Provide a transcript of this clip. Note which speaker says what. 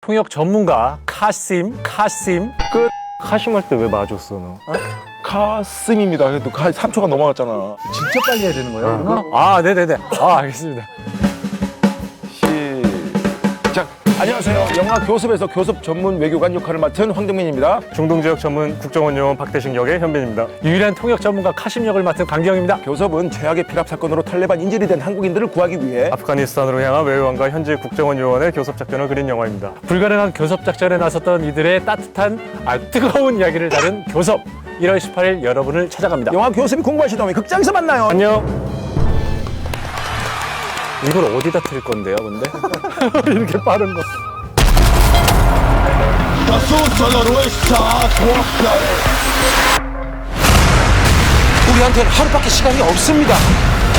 Speaker 1: 통역 전문가 카심.
Speaker 2: 카심 할 때 왜 맞았어 너?
Speaker 3: 카슴입니다. 그래도 3초가 넘어갔잖아.
Speaker 4: 진짜 빨리 해야 되는 거예요? 그러면?
Speaker 1: 아, 네네네. 아, 알겠습니다.
Speaker 3: 시작. 안녕하세요. 영화 교습에서 교섭 전문 외교관 역할을 맡은 황정민입니다.
Speaker 2: 중동 지역 전문 국정원 요원 박대식 역의 현빈입니다.
Speaker 1: 유일한 통역 전문가 카심 역을 맡은 강기영입니다.
Speaker 3: 교섭은 최악의 피랍 사건으로 탈레반 인질이 된 한국인들을 구하기 위해
Speaker 2: 아프가니스탄으로 향한 외교관과 현지 국정원 요원의 교섭 작전을 그린 영화입니다.
Speaker 1: 불가능한 교섭 작전에 나섰던 이들의 따뜻한, 뜨거운 이야기를 다룬 교섭. 1월 18일 여러분을 찾아갑니다.
Speaker 3: 영화 교습이 궁금하시다면 극장에서 만나요.
Speaker 2: 안녕.
Speaker 1: 이걸 어디다 틀 건데요, 근데? 이렇게 빠른 거.
Speaker 5: 우리한테는 하루밖에 시간이 없습니다.